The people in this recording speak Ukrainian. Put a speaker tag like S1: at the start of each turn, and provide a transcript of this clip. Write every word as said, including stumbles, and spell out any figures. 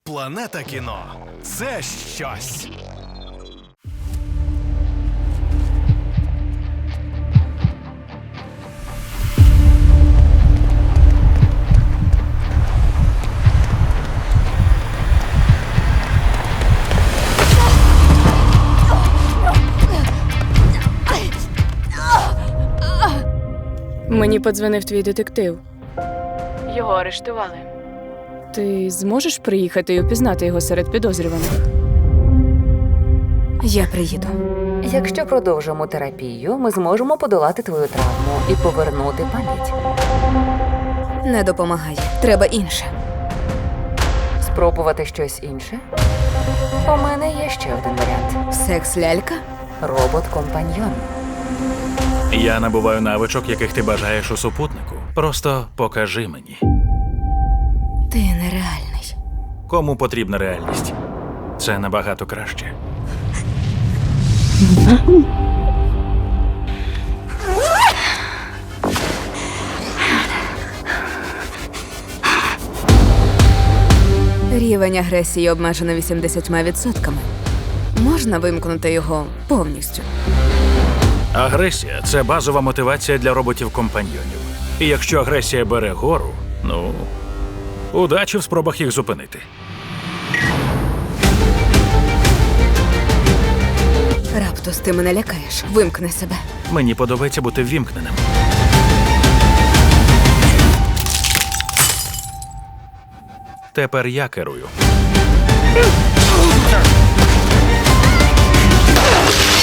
S1: Планета кіно – це щось.
S2: Мені подзвонив твій детектив.
S3: Його арештували.
S2: Ти зможеш приїхати і опізнати його серед підозрюваних?
S4: Я приїду.
S5: Якщо продовжимо терапію, ми зможемо подолати твою травму і повернути пам'ять.
S4: Не допомагає. Треба інше.
S5: Спробувати щось інше? У мене є ще один варіант.
S4: Секс-лялька?
S5: Робот-компаньйон.
S6: Я набуваю навичок, яких ти бажаєш у супутнику. Просто покажи мені.
S4: Ти нереальний.
S6: Кому потрібна реальність? Це набагато краще.
S4: Рівень агресії обмежено вісімдесятьма відсотками. Можна вимкнути його повністю.
S6: Агресія – це базова мотивація для роботів-компаньйонів. І якщо агресія бере гору, ну, удачі в спробах їх зупинити.
S4: Раптус, ти мене лякаєш. Вимкни себе.
S6: Мені подобається бути ввімкненим. Тепер я керую.